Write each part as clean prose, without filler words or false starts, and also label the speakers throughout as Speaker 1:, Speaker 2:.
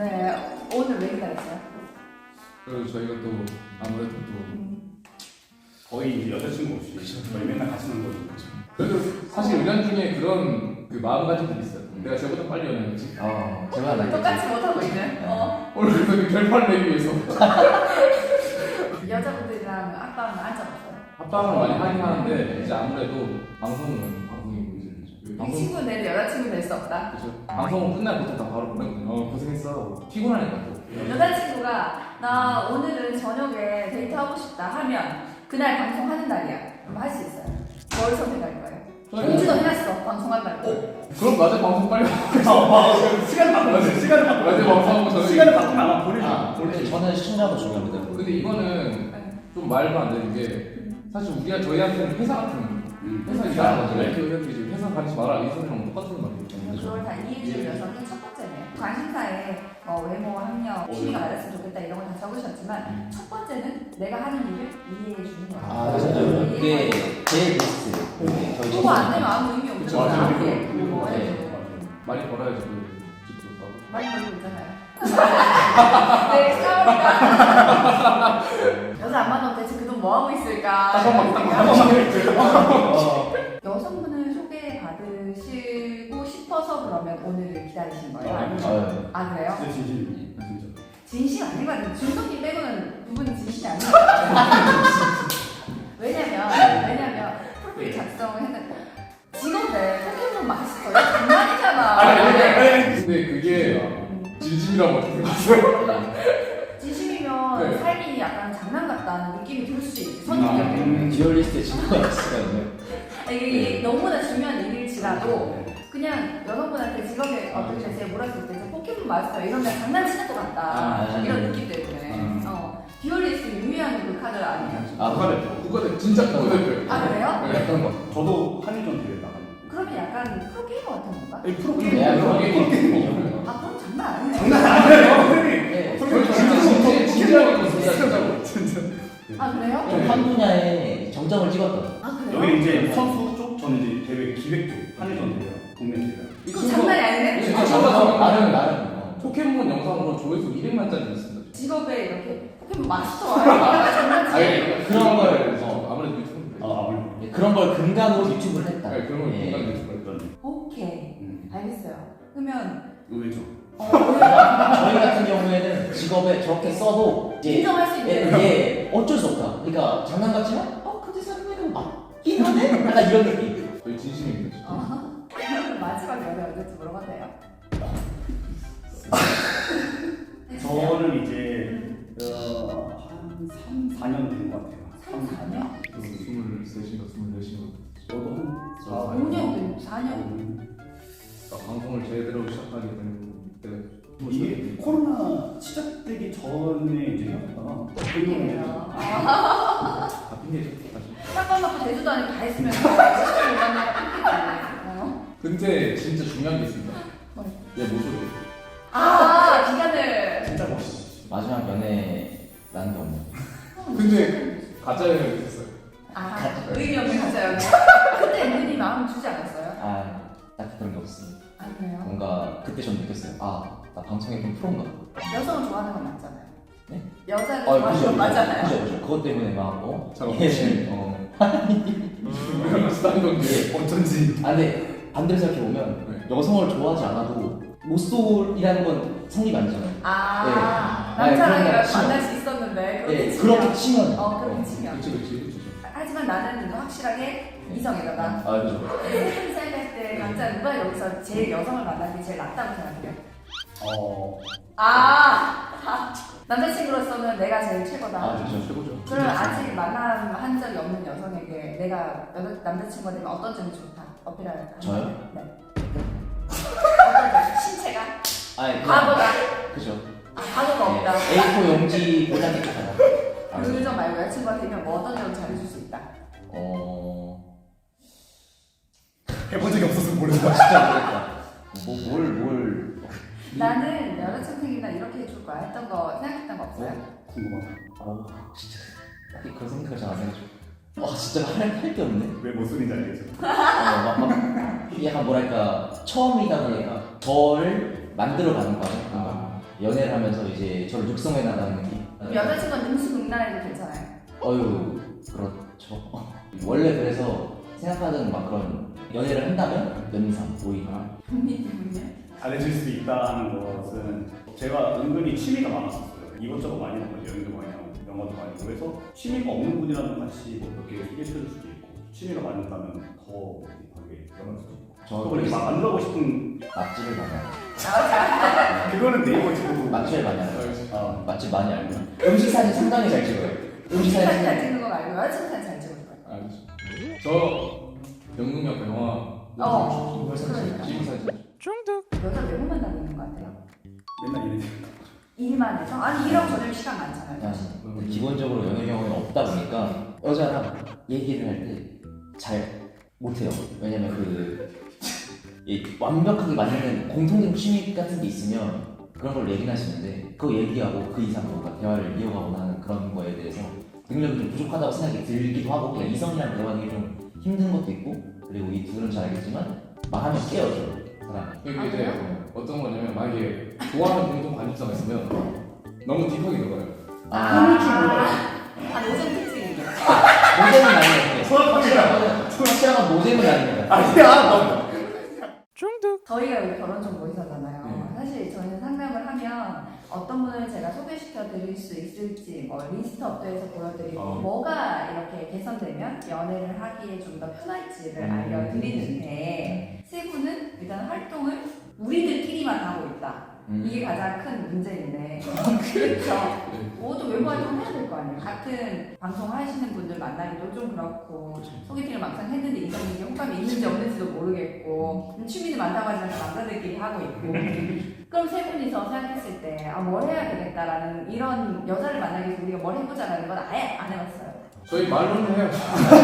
Speaker 1: 네, 오늘 왜 기다렸어요?
Speaker 2: 그리고 저희가 또 아무래도 또
Speaker 3: 거의 이제 여자친구 없이 저희 맨날 같이 노는 거죠.
Speaker 2: 그래도 사실 은연중에 그런 그 마음가짐들이 있어요. 내가 쟤보다 빨리 연애했지.
Speaker 4: 제가 나
Speaker 1: 똑같이 못하고 있는.
Speaker 2: 오늘 그래서 그 결판을 내기 위해서
Speaker 1: 여자분들이랑 아빠는 알잖아요.
Speaker 2: 합방을 많이 하긴 하는데 이제 아무래도 방송은 방송이고 이제
Speaker 1: 이
Speaker 2: 방송
Speaker 1: 친구는 내일 여자친구 될 수 없다.
Speaker 2: 그죠. 방송은 끝날 보통 다 바로 보내거든요. 고생했어. 피곤하니까 또.
Speaker 1: 여자친구가 나 오늘은 저녁에 데이트하고 싶다 하면 그날 방송하는 날이야. 그럼 할 수 있어요. 뭘 선택할 거예요? 공지도 해놨어. 방송한다고.
Speaker 2: 그럼 낮에 방송 빨리
Speaker 3: 시간 바꾸면 시간을 바꾸면
Speaker 2: 낮에 방송하고 저녁에
Speaker 3: 시간을 바꾸면 아마 보내죠.
Speaker 4: 근데 저는 시청자도 중요합니다.
Speaker 2: 근데 이거는 좀 말도 안 되는 게 사실 우리가 저희한테는 회사 같은 회사 일하는 거죠. 이렇게 이제 회사 가지 마라 이 소리랑 똑같은 말이에요.
Speaker 1: 그걸 다 이해해주는 여성이 첫 번째네요. 관심사에 외모, 학력, 취미가 맞았으면 좋겠다 이런 걸 다 적으셨지만 첫 번째는 내가 하는 일을 이해해주는 거예요.
Speaker 4: 맞아요. 그게 제일 베스트.
Speaker 1: 그거 안 되면 아무 의미
Speaker 2: 그쵸,
Speaker 1: 없는
Speaker 2: 맞아요.
Speaker 1: 거야.
Speaker 4: 네.
Speaker 2: 많이 벌어야지 그 집도 사고.
Speaker 1: 많이 벌고 있잖아요. 네, 싸우니까. 여자 안 만나면 대체 그 돈 뭐 하고 있을까? 여성분을 소개받으시고 싶어서 그러면 오늘 기다리신 거예요? 아니면 아 그래요?
Speaker 3: 진짜 진심입니다. 진짜.
Speaker 1: 진심 아닌 것 같은데 준석님 빼고는 두 분이 진심이 아닌 것 같아요. 왜냐면 프로필 작성을 했는데 직업에 포켓몬 마스터요? 장난이잖아.
Speaker 2: 근데 그게 진심이라고 어떻게 봤어요?
Speaker 1: 진심이면
Speaker 2: 네.
Speaker 1: 삶이 약간 장난 같다는 느낌이 들 수 있지. 선입견이.
Speaker 4: 디얼리스트에 친구가 있으면
Speaker 1: 이게 너무나 중요한 일일지라도 그냥 여성분한테 직업에 어떻게 되세요? 물었을 때 포켓몬 마스터 이런 데 장난치는 것 같다. 이런 느낌 때문에. 디얼리스트 유미한 그 카드 아니에요?
Speaker 2: 국가대 진짜 국가대표.
Speaker 1: 아 그래요?
Speaker 2: 네.
Speaker 4: 어떤 거?
Speaker 3: 저도 한일전 대회 나가는.
Speaker 1: 그러면 약간 프로게이머 같은 건가?
Speaker 2: 프로게이머.
Speaker 4: 프로게이머.
Speaker 1: 아 그럼 장난 아니네.
Speaker 3: 장난 아니에요.
Speaker 4: 네.
Speaker 2: 진지하게 진짜.
Speaker 1: 아 그래요?
Speaker 4: 좀 한 분야에 정점을 찍었던.
Speaker 1: 아 그래요?
Speaker 3: 여기 이제 선수 쪽, 저는 이제 대회 기획 쪽 한일전 대회, 국내 대회.
Speaker 1: 그거 장난이 아니네?
Speaker 2: 진짜
Speaker 4: 나름.
Speaker 2: 포켓몬 영상으로 조회수 200만짜리 있습니다.
Speaker 1: 직업에 이렇게 포켓몬 마스터 아 장난치?
Speaker 2: 아니
Speaker 4: 그런 걸
Speaker 2: 아무래도 유튜브인데.
Speaker 3: 아무래도
Speaker 4: 그런 걸 근간으로 유튜브를 했다.
Speaker 2: 네, 그런 걸
Speaker 4: 예.
Speaker 2: 공간 유튜브.
Speaker 3: 그런
Speaker 1: 오케이 알겠어요. 그러면
Speaker 3: 의외죠.
Speaker 4: 저희 같은 경우에는 직업에 저렇게 써도 이제
Speaker 1: 인정할 수 있는.
Speaker 4: 어쩔 수 없다. 그러니까 장난 같지만 근데 사람들은 맞긴 하네? 약간 이런 느낌.
Speaker 2: 저희 진심입니다. 진짜.
Speaker 1: 그러면 마지막 연애 언제쯤 물어봐도 돼요?
Speaker 3: 저는 이제 한 3, 4년 된 것 같아요.
Speaker 1: 3, 4년?
Speaker 2: 23인가 24인가.
Speaker 3: 저도 한
Speaker 1: 5년, 4년?
Speaker 2: 방송을 제대로 시작하게 된 그때.
Speaker 3: 이게 코로나 시작되기 전에 이제 헤어졌다가
Speaker 1: 핑계예요.
Speaker 2: 다 핑계죠. 사실.
Speaker 1: 짝방 맞고 제주도 아니고 다 했으면 시간을 못 만나가 핑계네.
Speaker 2: 근데 진짜 중요한 게 있습니다.
Speaker 1: 뭐요?
Speaker 2: 얘 모습이.
Speaker 1: 기간을.
Speaker 3: 진짜 멋있어.
Speaker 4: 마지막 연애 나는 게 없네.
Speaker 2: 근데 가짜 연애를 했어요.
Speaker 1: 의미 없는 가짜 연애. 그때 은근히 마음 주지 않았어요?
Speaker 4: 딱 그런 게 없습니다.
Speaker 1: 아, 그래요?
Speaker 4: 뭔가 그때 좀 느꼈어요. 나 방송에 좀 프로인가?
Speaker 1: 여성을 좋아하는 건 맞잖아요.
Speaker 4: 네?
Speaker 1: 여자를 좋아하는 건 맞잖아요.
Speaker 4: 그죠. 그것 때문에 막
Speaker 2: 잘 비슷한 건데.
Speaker 3: 어쩐지.
Speaker 4: 근데 반대로 생각해 보면 여성을 좋아하지 않아도 모쏠이라는 건 성립 아니잖아요.
Speaker 1: 남자랑
Speaker 4: 그런 거 치면.
Speaker 1: 만날 수 있었는데
Speaker 4: 네,
Speaker 1: 그렇게
Speaker 4: 그렇게
Speaker 1: 치면.
Speaker 4: 치면.
Speaker 1: 그렇게 치면.
Speaker 2: 그치.
Speaker 1: 하지만 나는 확실하게 이성애다.
Speaker 4: 그죠.
Speaker 1: 생각할 때 남자 누가 여기서 제일 여성을 만나는 게 제일 낫다고 생각해요? 남자친구로서는 내가 제일 최고다.
Speaker 4: 그죠.
Speaker 2: 최고죠.
Speaker 1: 그럼 아직 만남한 적이 없는 여성에게 내가 남자친구가 되면 어떤 점이 좋다 어필할까?
Speaker 4: 저요?
Speaker 1: 네. 어떤 점? 신체가? 과거다?
Speaker 4: 그죠.
Speaker 1: 과거가 없다.
Speaker 4: A4 용지 보장이 좋잖아.
Speaker 1: 그 점 말고 여자친구가 되면 뭐 어떤 점을 잘해줄 수 있다?
Speaker 3: 해본 적이 없어서 모르겠다.
Speaker 4: 진짜 모르겠다.
Speaker 1: 나는 여자친구 생기면 이렇게 해줄 거야 했던 거 생각했던 거 없어요?
Speaker 3: 궁금하다.
Speaker 4: 진짜 딱히 그런 생각을 잘 안 해가지고. 진짜 할게 없네.
Speaker 3: 왜 모순인지 알겠죠?
Speaker 4: 약간 뭐랄까 처음이다 보니까 저를 만들어가는 거야. 뭔가 연애를 하면서 이제 저를 육성해 나가는 느낌.
Speaker 1: 그럼 여자친구는 능수능란해도 괜찮아요?
Speaker 4: 어유 그렇죠. 원래 그래서 생각하던 막 그런 연애를 한다면 연상 오히려.
Speaker 1: 본인은요?
Speaker 3: 잘해줄 수 있다는 것은 제가 은근히 취미가 많았었어요. 이것저것 많이 하고 여행도 많이 하고 영화도 많이 하고 해서 취미가 없는 분이라도 같이 뭐몇개 소개시켜줄 수도 있고 취미가 맞는다면 더 되게 연할 수도 있고
Speaker 4: 저
Speaker 3: 또 이렇게 막 만들어가고 싶은
Speaker 4: 맛집을 많이 알고.
Speaker 3: 그거는 네이버 찍고
Speaker 4: 맛집을 많이 알고. 맛집 많이 알고. 음식 사진 상당히 잘 찍어요. 음식
Speaker 1: 사진
Speaker 4: 사진
Speaker 1: 잘 찍는 거 말고 여자친구 사진 잘 찍을 거예요.
Speaker 2: 알겠어. 저 영웅역 영화
Speaker 1: 그러니까.
Speaker 2: 지금 사진.
Speaker 1: 여자 외모만 다니는 거 같아요.
Speaker 3: 맨날 이런
Speaker 1: 일만 해서? 아니 일하고 저녁 시간 많잖아요. 사실.
Speaker 4: 기본적으로 연애 경험이 없다 보니까 여자랑 얘기를 할 때 잘 못해요. 왜냐면 이 완벽하게 맞는 공통된 취미 같은 게 있으면 그런 걸 얘기를 하시는데 그거 얘기하고 그 이상 뭔가 대화를 이어가거나 하는 그런 거에 대해서 능력이 좀 부족하다고 생각이 들기도 하고 그냥 이성이랑 대화하기 좀 힘든 것도 있고 그리고 이 둘은 잘 알겠지만 말하면 깨어져 사람이.
Speaker 2: 이게 이제 어떤 거냐면 만약에 좋아하는 공통 관심사가 있으면 너무 딥하게 들어가요.
Speaker 1: 노잼 특징이죠.
Speaker 4: 노잼은 아니에요. 확실한 노잼은 아닙니다.
Speaker 3: 아니야
Speaker 1: 저희가 여기 결혼 정보 회사잖아요. 사실 저희는 상담을 하면 어떤 분을 제가 소개시켜 드릴 수 있을지 뭐 리스트 업도에서 보여드리고 뭐가 이렇게 개선되면 연애를 하기에 좀 더 편할지를 알려드리는데 세 분은 일단 활동을 우리들끼리만 하고 있다. 이게 가장 큰 문제인데 그렇죠. 모두 외부 활동을 해야 될 거 아니에요. 같은 방송 하시는 분들 만나기도 좀 그렇고 소개팅을 막상 했는데 이성에게 호감이 있는지 없는지도 모르겠고 취미는 많다고 하지만 남자들끼리 하고 있고 그럼 세 분이서 생각했을 때 뭘 해야 되겠다라는 이런 여자를 만나기 위해서 우리가 뭘 해보자라는 건 아예 안 해봤어요.
Speaker 2: 저희 말로는 해요.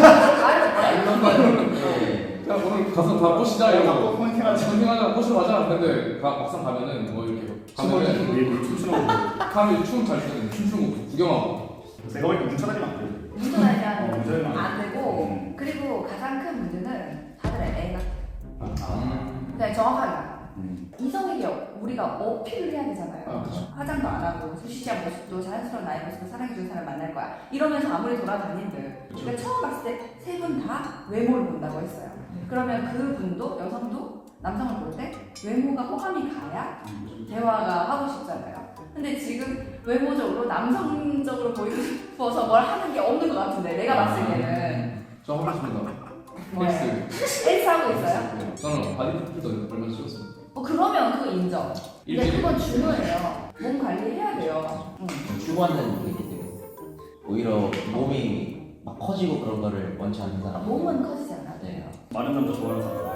Speaker 2: 그냥 오늘 가서 다 보시자 이러고 컨팅하자 보시러 가자. 근데 막상 가면은 뭐 이렇게 가면은
Speaker 3: 왜 춤추는 거
Speaker 2: 가면 춤잘 추는 춤추는 거 구경하고.
Speaker 3: 제가 보니까 문천하지만 안 돼요.
Speaker 1: 운전하면 안 되고 그리고 가장 큰 문제는 다들 애 같아요. 그냥 정확하게 알아요. 이성에게 우리가 어필을 해야 되잖아요. 화장도 안 하고 수시한 모습도 자연스러운 나의 모습도 사랑해주는 사람 만날 거야. 이러면서 아무리 돌아다닌들 그러니까 처음 봤을 때 세 분 다 외모를 본다고 했어요. 그러면 그 분도 여성도 남성을 볼 때 외모가 호감이 가야 대화가 하고 싶잖아요. 근데 지금 외모적으로 남성적으로 보이고 싶어서 뭘 하는 게 없는 것 같은데 내가 봤을 때는
Speaker 2: 저 하고 있습니다.
Speaker 1: 뭐예요?
Speaker 2: 헬스.
Speaker 1: 헬스 하고 있어요?
Speaker 2: 저는 바디 필터 얼마 찍었어요.
Speaker 1: 그러면 그거 인정. 근데 그건 중요해요. 몸 관리해야 돼요.
Speaker 4: 추구하는 게 있기 때문에 오히려 몸이 막 커지고 그런 거를 원치 않는 사람.
Speaker 1: 몸은 커지지 않아도 돼요.
Speaker 3: 많은 남자 좋아하는 사람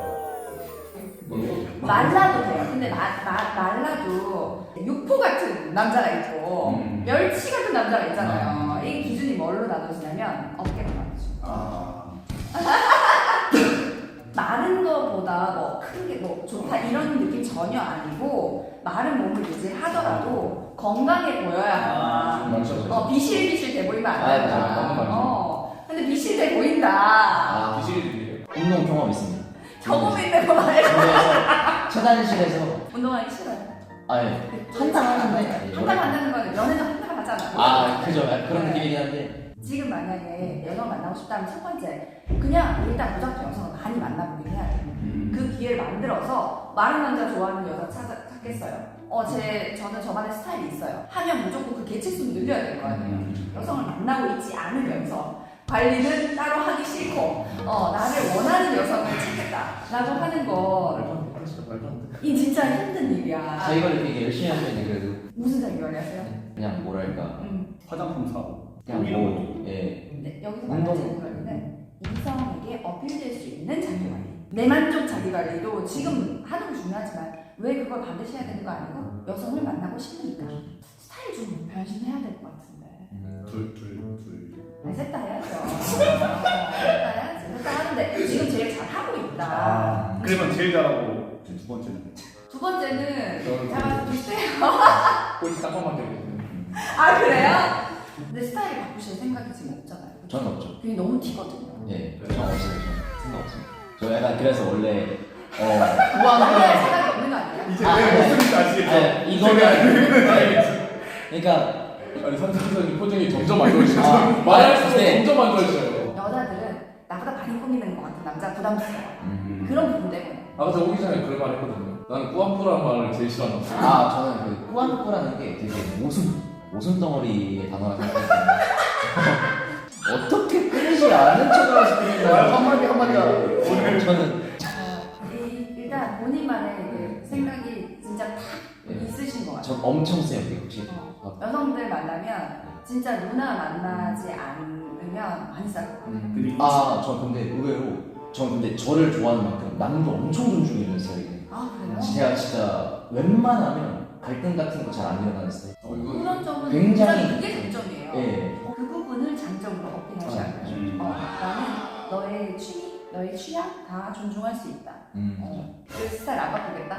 Speaker 1: 말라도 돼요. 근데 말라도 육포 같은 남자가 있고 멸치 같은 남자가 있잖아요. 이 기준이 뭘로 나눠지냐면 어깨가 나눠져. 마른 거보다 뭐 큰 게 뭐 좋다 이런 느낌 전혀 아니고 마른 몸을 유지하더라도 건강해 보여야 한다. 비실비실 돼 보이면 안 된다. 근데 비실돼 보인다.
Speaker 2: 비실이에요.
Speaker 4: 운동 경험 있습니다.
Speaker 1: 경험 있는 거 말고.
Speaker 4: 체단실에서
Speaker 1: 운동하기 싫어요.
Speaker 4: 아니 한탕 하는데
Speaker 1: 한달 만나는 건 연애도 한달 하잖아.
Speaker 4: 그죠 그런 느낌이긴 한데
Speaker 1: 지금 만약에 여성을 만나고 싶다면 첫 번째 그냥 일단 무작정 여성을 많이 만나보긴 해야 돼요. 그 기회를 만들어서 마른 남자 좋아하는 여자 찾겠어요. 저는 저만의 스타일이 있어요. 하면 무조건 그 개체수를 늘려야 될 거 아니에요. 여성을 만나고 있지 않으면서 관리는 따로 하기 싫고 나를 원하는 여성을 찾겠다라고 하는 거 이 진짜 힘든 일이야.
Speaker 4: 자기가 이렇게 열심히 하면 그래도
Speaker 1: 무슨 자기 관리하세요?
Speaker 4: 그냥 뭐랄까
Speaker 3: 화장품 사고
Speaker 4: 그냥 뭐
Speaker 1: 근데 여기서 말하는 자기 관리는 이성에게 어필될 수 있는 자기 관리. 내 만족 자기 관리도 지금 하는 거 중요하지만 왜 그걸 반드시 해야 되는 거 아니고 여성을 만나고 싶으니까 스타일 좀 변신해야 될 것 같은데.
Speaker 3: 둘
Speaker 1: 셋 다 해야죠. 셋 다 하는데 지금 제일 잘 하고 있다.
Speaker 3: 그러면 제일 잘하고 두 번째는
Speaker 1: 두 번째는 제가 비슷해요.
Speaker 2: 꼴찌 깜빡 되거든요.
Speaker 1: 그래요? 근데 스타일 바꾸실 생각이 지금 없잖아요.
Speaker 4: 저는 없죠.
Speaker 1: 그게 너무 튀거든요.
Speaker 4: 저 없어요. 저 생각 없습니다. 저 약간 그래서 원래
Speaker 1: 남자의
Speaker 4: 꾸안꾸라는
Speaker 1: 생각이 없는 거 아니야?
Speaker 3: 이제 왜 무슨 말인지 아시겠죠?
Speaker 4: 네, 이거는 그러니까
Speaker 2: 아니 상상선이 표정이 점점 안 좋아지셔서 말할수록
Speaker 4: 네.
Speaker 2: 점점 안 좋아지셔요.
Speaker 1: 여자들은 나보다 많이 꾸미는 것 같은 남자 부담스러워.
Speaker 4: 음.
Speaker 1: 그런 부분 때문에.
Speaker 2: 아까 저 오기 전에 그런 말 했거든요. 나는 꾸안꾸라는 말을 제일 싫어한다.
Speaker 4: 저는 그 꾸안꾸라는 게 되게 오줌 덩어리의 단어라 생각했거든요. 어떻게 끊이지 않은 척을 하시는가요? 한마디가 오늘 저는
Speaker 1: 일단 본인만의 그 생각이 진짜 탁
Speaker 4: 네.
Speaker 1: 있으신 것 같아요.
Speaker 4: 전 엄청 세요 이게 혹시.
Speaker 1: 여성들 만나면 진짜 누나 만나지 않으면 많이 싸요.
Speaker 3: 근데
Speaker 4: 저 근데 의외로 근데 저를 좋아하는 만큼 남도 엄청 존중해줬어요 이게.
Speaker 1: 아 그래요?
Speaker 4: 제가 진짜 웬만하면 갈등 같은 거 잘 안 일어나는 스타일.
Speaker 2: 이거
Speaker 1: 그런 점은
Speaker 4: 굉장히-
Speaker 1: 굉장히 그게 장점이에요.
Speaker 4: 예.
Speaker 1: 그 부분을 장점으로 어필하지 않아요. 나는 너의 취미, 너의 취향 다 존중할 수 있다. 그 스타일 안 바꾸겠다.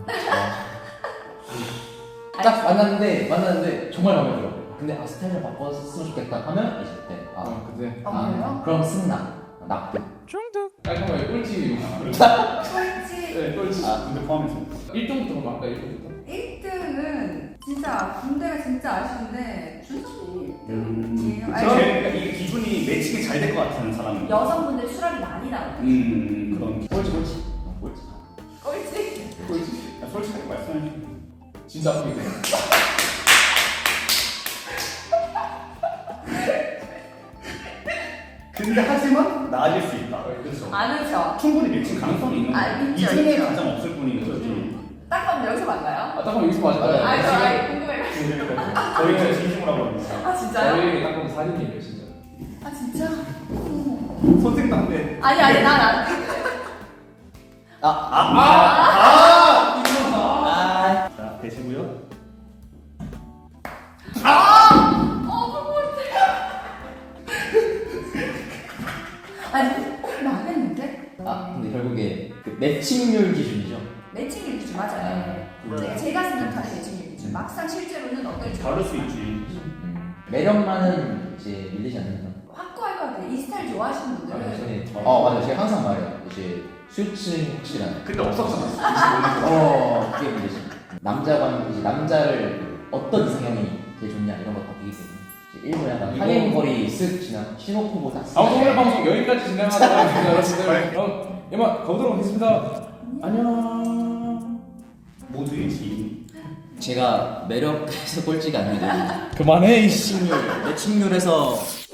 Speaker 4: 딱 만났는데 정말 마음에 들어. 근데 스타일을 바꿨으면 좋겠다 하면 이제 그때
Speaker 2: 근데
Speaker 1: 그래요?
Speaker 4: 그럼 승낙 납득.
Speaker 2: 깔끔하게 꼴찌.
Speaker 1: 솔직히
Speaker 2: 네, 꼴찌.
Speaker 3: 근데 포함해서
Speaker 2: 1등부터 그럼 아까 1등부터.
Speaker 1: 1등은 진짜 군대가 진짜 아쉬운데 준석이 1등이에요.
Speaker 3: 그러니까 이게 기분이 매칭이 잘 될 것 같은 사람은
Speaker 1: 여성분들 수락이 많이 나와요.
Speaker 3: 그런
Speaker 4: 꼴찌.
Speaker 1: 꼴찌.
Speaker 3: 솔직하게 말씀해 주세요.
Speaker 2: 진짜 아프게 돼요.
Speaker 3: 근데 하지만 나아질 수 있다.
Speaker 2: 그렇죠.
Speaker 1: 많으죠.
Speaker 3: 충분히 매칭 가능성이 있는 거예요.
Speaker 1: 있죠,
Speaker 3: 이 중에
Speaker 1: 있죠.
Speaker 3: 가장 없을 뿐인 거지.
Speaker 1: 딱 봐면 여기서 만나요?
Speaker 2: 딱 보면 여기서 맞아요.
Speaker 1: 아이 궁금해.
Speaker 3: 저희가 진심으로 하고 있습니다.
Speaker 1: 아 진짜요?
Speaker 2: 저희 딱 보면 사진이에요 진짜.
Speaker 1: 아 진짜?
Speaker 3: 선생 담배.
Speaker 1: 아니 난
Speaker 3: 자, 되시고요.
Speaker 1: 아니 나겠는데?
Speaker 4: 근데 결국에 그 매칭률 기준이죠.
Speaker 1: 매칭률 기준 맞아요. 제가 생각하는 매칭률 기준. 막상 실제로는 어떨지
Speaker 3: 다를 수 있지.
Speaker 4: 매력만은 이제 밀리지 않는다.
Speaker 1: 확고할 것 같아요. 이 스타일 좋아하시는 분들은
Speaker 4: 맞아요. 제가 항상 말해요. 이제 수요층 확실한.
Speaker 3: 근데 없었잖아.
Speaker 4: 그게 문제지. 이제 남자를 어떤 이상형이 제일 좋냐 이런 거 바뀌기 때문에 이제 일부 약간 하행거리 쓱 지나 신호포보 딱.
Speaker 2: 오늘 방송 여기까지 진행하다가 여러분들 그럼 이만 가보도록 하겠습니다. 안녕.
Speaker 3: 모두의 지인.
Speaker 4: 제가 매력에서 꼴찌가 아니고
Speaker 2: 그만해.
Speaker 4: 매칭률에서